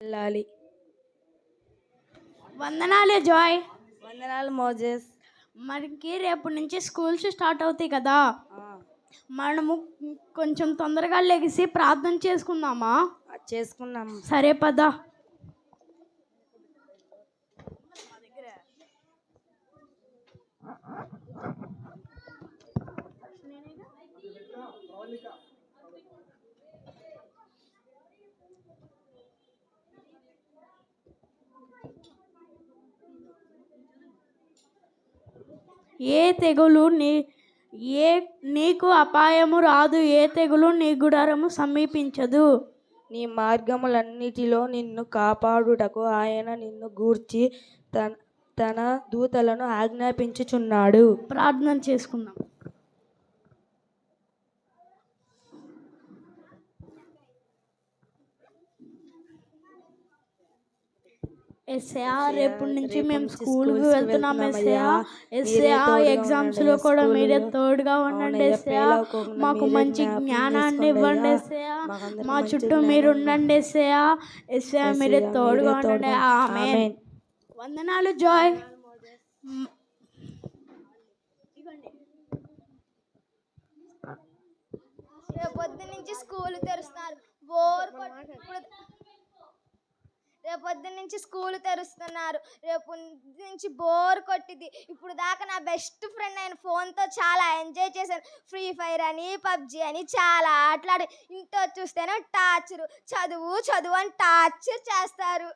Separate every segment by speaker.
Speaker 1: వెళ్ళాలి.
Speaker 2: వందనాలు జాయ్.
Speaker 1: వందనాలు మోజెస్.
Speaker 2: మనకి రేపు నుంచి స్కూల్స్ స్టార్ట్ అవుతాయి కదా, మనము కొంచెం తొందరగా లెగిసి ప్రార్థన చేసుకుందామా?
Speaker 1: చేసుకున్నాం.
Speaker 2: సరే పద. ఏ తెగులు నీకు అపాయము రాదు, ఏ తెగులు నీ గుడారము సమీపించదు.
Speaker 1: నీ మార్గములన్నిటిలో నిన్ను కాపాడుటకు ఆయన నిన్ను గూర్చి తన దూతలను ఆజ్ఞాపించుచున్నాడు.
Speaker 2: ప్రార్థన చేసుకుందాం. ఎస్ఐా రేపు నుంచి మేము స్కూల్కి వెళ్తున్నాం. ఎస్ఐా ఎగ్జామ్స్ లో కూడా మీరే తోడుగా ఉండండి. ఎస్ఐా మాకు మంచి జ్ఞానాన్ని ఇవ్వండి. ఎస్ఐా మా చుట్టూ మీరు ఉండండి. ఎస్ఐా మీరే తోడుగా ఉండండి. ఆమేన్. వందనాలు జాయ్.
Speaker 3: రేపొద్దు నుంచి స్కూల్ తెరుస్తున్నారు. రేపొద్దు నుంచి స్కూల్ తెరుస్తున్నారు. రేపు నుంచి బోర్ కొట్టింది. ఇప్పుడు దాకా నా బెస్ట్ ఫ్రెండ్ నేను ఫోన్తో చాలా ఎంజాయ్ చేశాను. ఫ్రీ ఫైర్ అని, పబ్జి అని చాలా ఆటలాడి. ఇంట్లో చూస్తేనే టార్చరు, చదువు చదువు అని టార్చర్ చేస్తారు.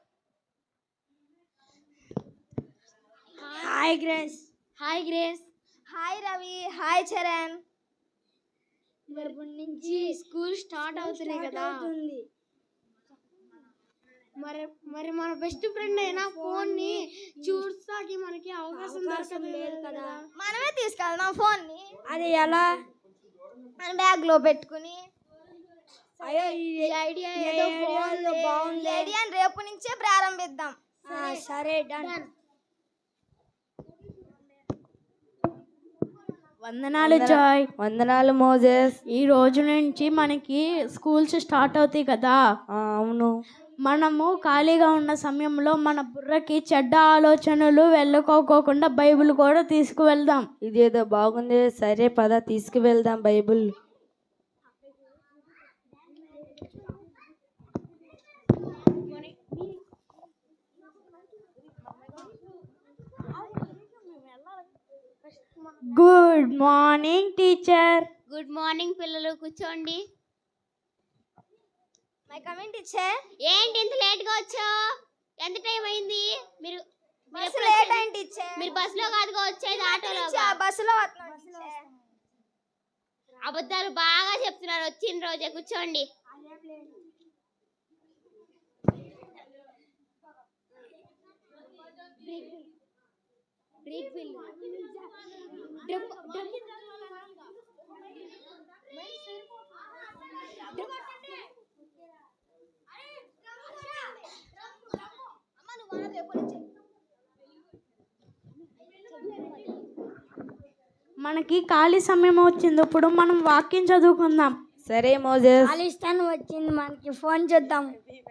Speaker 4: Hi Grace. Hi Grace.
Speaker 3: Hi Ravi. Hi Charan.
Speaker 4: రేపటి నుంచి స్కూల్ స్టార్ట్ అవుతున్నాయి కదా, మరి మన బెస్ట్ ఫ్రెండ్ అయినా ఫోన్ ని చూస్తాకి మనకి అవకాశం లేదు కదా.
Speaker 3: మనమే తీసుకెళ్దాం ఫోన్ ని.
Speaker 4: అది ఎలా?
Speaker 3: మన బ్యాగ్ లో పెట్టుకుని.
Speaker 4: ఐడియా ఏదో బాగుంది.
Speaker 3: ఐడియా రేపు నుంచే ప్రారంభిద్దాం.
Speaker 4: సరే డన్.
Speaker 2: వందనాలు జాయ్.
Speaker 1: వందనాలు మోజెస్.
Speaker 2: ఈ రోజు నుంచి మనకి స్కూల్స్ స్టార్ట్ అవుతాయి కదా.
Speaker 1: అవును.
Speaker 2: మనము ఖాళీగా ఉన్న సమయంలో మన బుర్రకి చెడ్డ ఆలోచనలు వెళ్ళుకోకుండా బైబిల్ కూడా తీసుకువెళ్దాం.
Speaker 1: ఇదేదో బాగుంది. సరే పద తీసుకువెళ్దాం Bible.
Speaker 2: Good morning teacher.
Speaker 4: Good morning పిల్లలు, కూర్చోండి.
Speaker 3: My coming teacher.
Speaker 4: ఏంటి ఇంత లేట్ గా వచ్చావు? ఎంత టైం అయింది? మీరు
Speaker 3: బస్సు లేట్ అయింది టీచర్.
Speaker 4: మీరు బస్సులో కాదుగా వచ్చేది, ఆటోలో.
Speaker 3: బస్సులో వస్తున్నాం టీచర్.
Speaker 4: అబద్ధాలు బాగా చెప్తున్నారు. వచ్చిన రోజే కూర్చోండి.
Speaker 2: మనకి ఖాళీ సమయం వచ్చింది, ఇప్పుడు మనం వాక్యం చదువుకుందాం.
Speaker 1: సరే మోజెస్.
Speaker 4: ఖాళీ వచ్చింది, మనకి ఫోన్ చేద్దాం.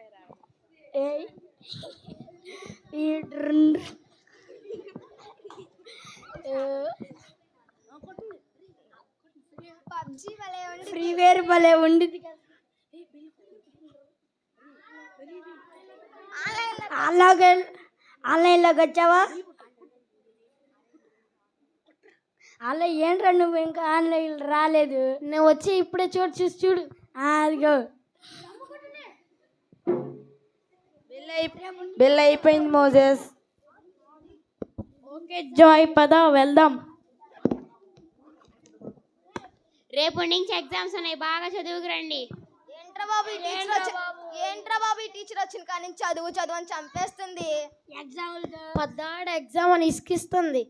Speaker 3: ఫ్రీ ఫైర్ భలే ఉంది.
Speaker 4: ఆన్లైన్లోకి వచ్చావా? అలా ఏంట్రా నువ్వు ఇంకా ఆన్లైన్ రాలేదు? నేను వచ్చి ఇప్పుడే చూసి చూడు. అదిగో
Speaker 1: బిల్ అయిపోయింది మోజెస్.
Speaker 2: ఓకే జాయ్, పద వెళ్దాం.
Speaker 4: రేపటి నుంచి ఎగ్జామ్స్ ఉన్నాయి, బాగా చదువుకురండి.
Speaker 3: ఏంట్రా బాబు ఈ టీచర్ వచ్చిన కానీ చదువు చదువు అని చంపేస్తుంది.
Speaker 4: పద్దాడు ఎగ్జామ్ అని ఇసుకిస్తుంది.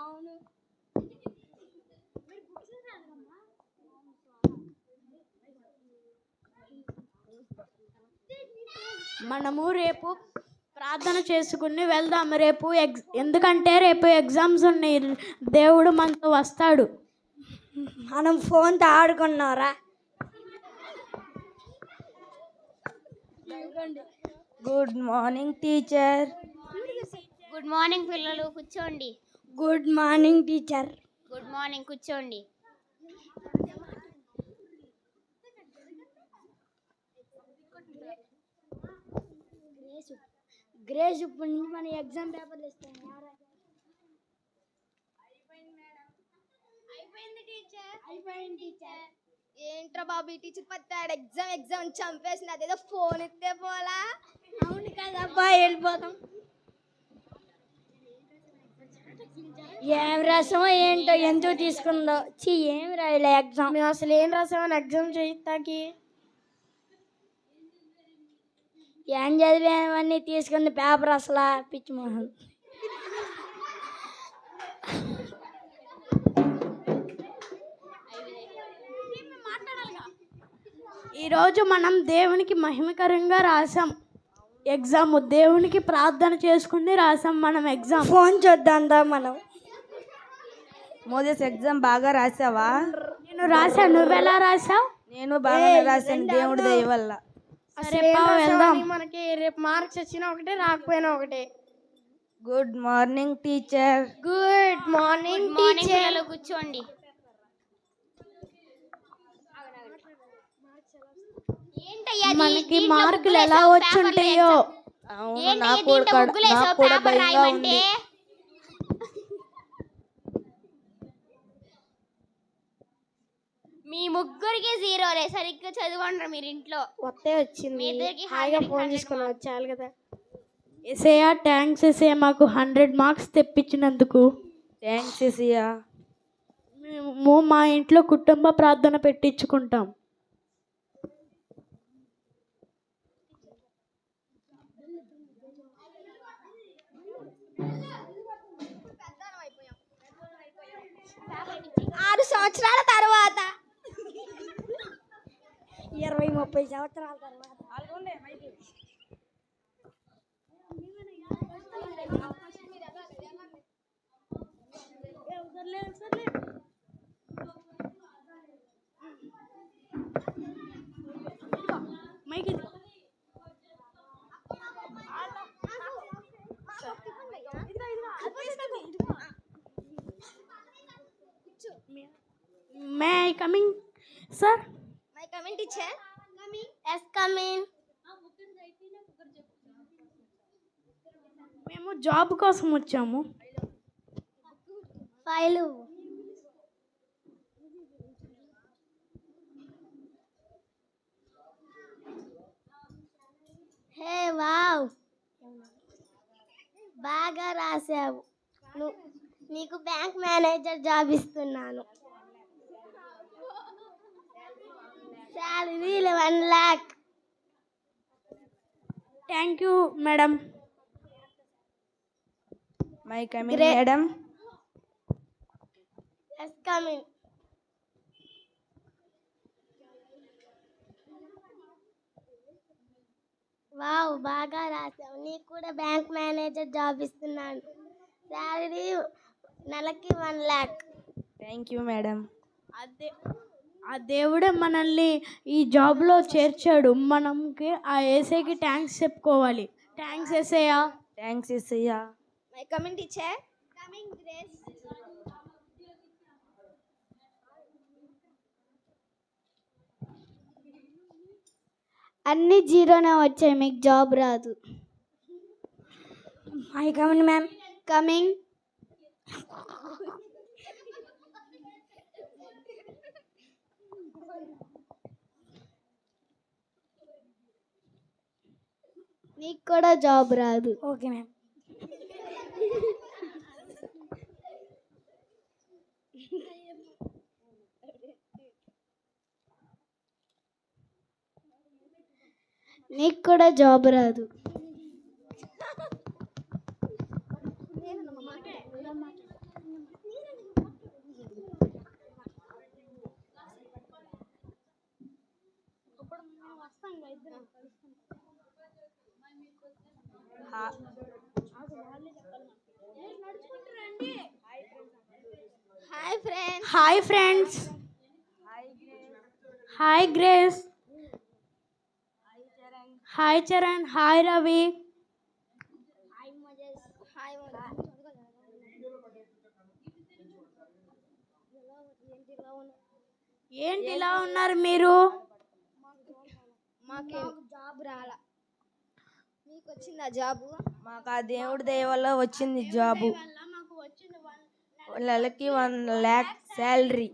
Speaker 2: మనము రేపు ప్రార్థన చేసుకుని వెళ్దాం. రేపు ఎందుకంటే రేపు ఎగ్జామ్స్ ఉన్నాయి, దేవుడు మనతో వస్తాడు.
Speaker 4: మనం ఫోన్తో ఆడుకున్నారా?
Speaker 1: Good morning teacher.
Speaker 5: Good morning పిల్లలు, కూర్చోండి.
Speaker 4: Good morning teacher.
Speaker 5: Good morning, కూర్చోండి.
Speaker 4: గ్రేస్ ఇప్పుడు నుంచి మన ఎగ్జామ్ పేపర్లు ఇస్తాం.
Speaker 3: అయిపోయింది టీచర్. ఏంట్రా బాబు ఈ టీచర్ పత్తాడు ఎగ్జామ్ చంపేసింది. అదేదో ఫోన్ ఇస్తే పోలా.
Speaker 4: అవును కదబ్బా, వెళ్ళిపోతాం. ఏం రాసామో ఏంటో, ఎందుకు తీసుకుందో. ఏం రాయలే ఎగ్జామ్. మేము అసలు ఏం రాసామని ఎగ్జామ్ చేయిస్తాకి. ఏం చదివామని తీసుకుంది పేపర్ అసలు పిచ్చి మోహన్.
Speaker 2: ఈరోజు మనం దేవునికి మహిమకరంగా రాసాం ఎగ్జామ్. దేవునికి ప్రార్థన చేసుకుని రాసాం మనం ఎగ్జామ్.
Speaker 4: ఫోన్ చూద్దాందా మనం.
Speaker 1: మోజెస్ ఎగ్జామ్ బాగా రాసావా?
Speaker 2: నేను రాశాను. నువ్వెలా రాసావు?
Speaker 1: నేను బాగానే రాశాను దేవుడి దయ వల్ల.
Speaker 2: సరే వెళ్దాం.
Speaker 4: మనకి రేపు మార్క్స్ వచ్చినా ఒకటే, రాకపోయినా ఒకటే.
Speaker 1: Good morning teacher.
Speaker 4: Good morning
Speaker 5: good morning పిల్లలు, కూర్చోండి. ఏంటయ్యా
Speaker 2: మనకి మార్కులు ఎలా వచ్చుంటాయో.
Speaker 1: అవును, నాకు కూడా భయంగా ఉంది.
Speaker 5: మీ ముగ్గురికి జీరోలే. సరిగ్గా చదవండి మీరు ఇంట్లో.
Speaker 4: వస్తే వచ్చింది, హాయిగా ఫోన్ తీసుకుని వచ్చాలి కదా.
Speaker 2: ఎసయ్యా థ్యాంక్స్ ఎసయ్యా, మాకు 100 మార్క్స్ తెప్పించినందుకు.
Speaker 1: Thanks Asia.
Speaker 2: మేము మా ఇంట్లో కుటుంబ ప్రార్థన పెట్టించుకుంటాం.
Speaker 3: ఆరు సంవత్సరాల తర్వాత
Speaker 4: 20-30 సంవత్సరాల తర్వాత
Speaker 2: may I coming sir?
Speaker 3: My coming teacher.
Speaker 4: Yes coming.
Speaker 2: మేము జాబ్ కోసం వచ్చాము.
Speaker 4: ఫైలు. హే వావ్, బాగా రాసావు. నీకు బ్యాంక్ మేనేజర్ జాబ్ ఇస్తున్నాను. Salary 1 lakh.
Speaker 2: Thank you madam.
Speaker 1: My coming madam.
Speaker 4: Yes coming. Wow, బాగా రాసావు. నీకు కూడా బ్యాంక్ మేనేజర్ జాబ్ ఇస్తున్నాను. శాలరీ నెలకి 1 lakh.
Speaker 1: Thank you madam.
Speaker 2: ఆ దేవుడే మనల్ని ఈ జాబ్లో చేర్చాడు. మనకి ఆ ఏసైకి థ్యాంక్స్ చెప్పుకోవాలి. Thanks Yesayya.
Speaker 1: Thanks Yesayya.
Speaker 3: My coming teacher. Coming Grace.
Speaker 4: అన్ని జీరోనే వచ్చాయి, మీకు జాబ్ రాదు. I coming ma'am. కమింగ్. నీకు కూడా జాబ్ రాదు. Okay ma'am. నీకు కూడా జాబ్ రాదు.
Speaker 3: Hi friends.
Speaker 2: Hi friends. Hi Grace. Hi Charan, hi Ravi. ఏంటి ఇలా ఉన్నారు మీరు?
Speaker 3: మాకు జాబ్ రాలా, మీకు వచ్చిందా జాబు?
Speaker 1: మాకు ఆ దేవుడి దయ వల్ల వచ్చింది జాబు. నెలకి 1 lakh శాలరీ.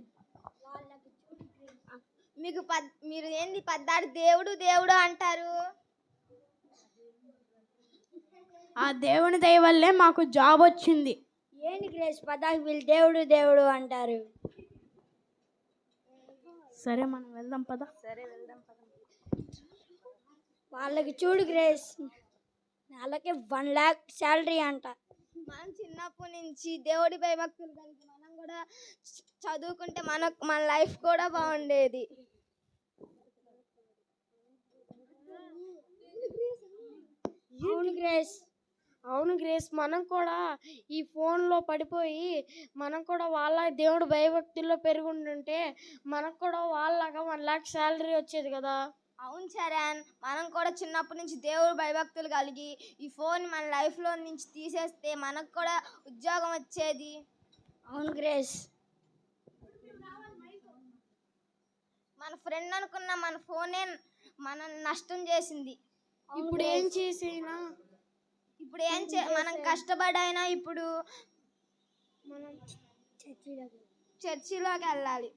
Speaker 3: మీకు మీరు ఏంది పద్దాడు దేవుడు దేవుడు అంటారు?
Speaker 2: ఆ దేవుని దయ వల్లే మాకు జాబ్ వచ్చింది.
Speaker 4: ఏంటి గ్రేస్ పదాకి వీళ్ళు దేవుడు దేవుడు అంటారు?
Speaker 2: సరే మనం వెళ్దాం పద.
Speaker 4: వాళ్ళకి చూడు గ్రేస్, నెలకి 1 lakh శాలరీ అంట.
Speaker 3: మనం చిన్నప్పటి నుంచి దేవుడి భయభక్తులు కలిగి మనం కూడా చదువుకుంటే మన లైఫ్ కూడా బాగుండేది.
Speaker 4: అవును గ్రేస్, మనం కూడా ఈ ఫోన్లో పడిపోయి మనం కూడా వాళ్ళ దేవుడు భయభక్తుల్లో పెరుగుంటుంటే మనకు కూడా వాళ్ళగా 1 lakh శాలరీ వచ్చేది కదా.
Speaker 3: అవును చరణ్, మనం కూడా చిన్నప్పటి నుంచి దేవుడు భయభక్తులు కలిగి ఈ ఫోన్ మన లైఫ్లో నుంచి తీసేస్తే మనకు కూడా ఉద్యోగం వచ్చేది.
Speaker 4: అవును గ్రేస్.
Speaker 3: మన ఫ్రెండ్ అనుకున్న మన ఫోనే మనం నష్టం చేసింది.
Speaker 4: ఇప్పుడు ఏం చేసినా,
Speaker 3: ఇప్పుడు మనం కష్టపడైనా ఇప్పుడు
Speaker 4: మనం
Speaker 3: చర్చిలోకి వెళ్ళాలి.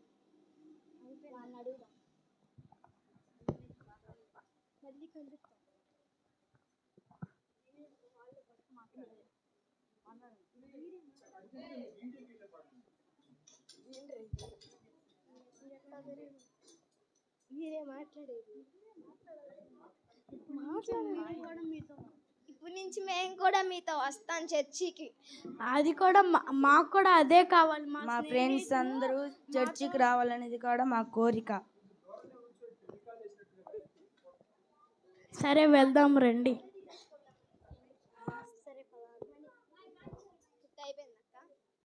Speaker 3: ఇప్పుడు నుంచి మేము కూడా మీతో వస్తాం చర్చికి.
Speaker 2: అది కూడా మాకు కూడా అదే కావాలి.
Speaker 1: మా ఫ్రెండ్స్ అందరూ చర్చికి రావాలనేది కూడా మా కోరిక.
Speaker 2: సరే వెళ్దాం రండి.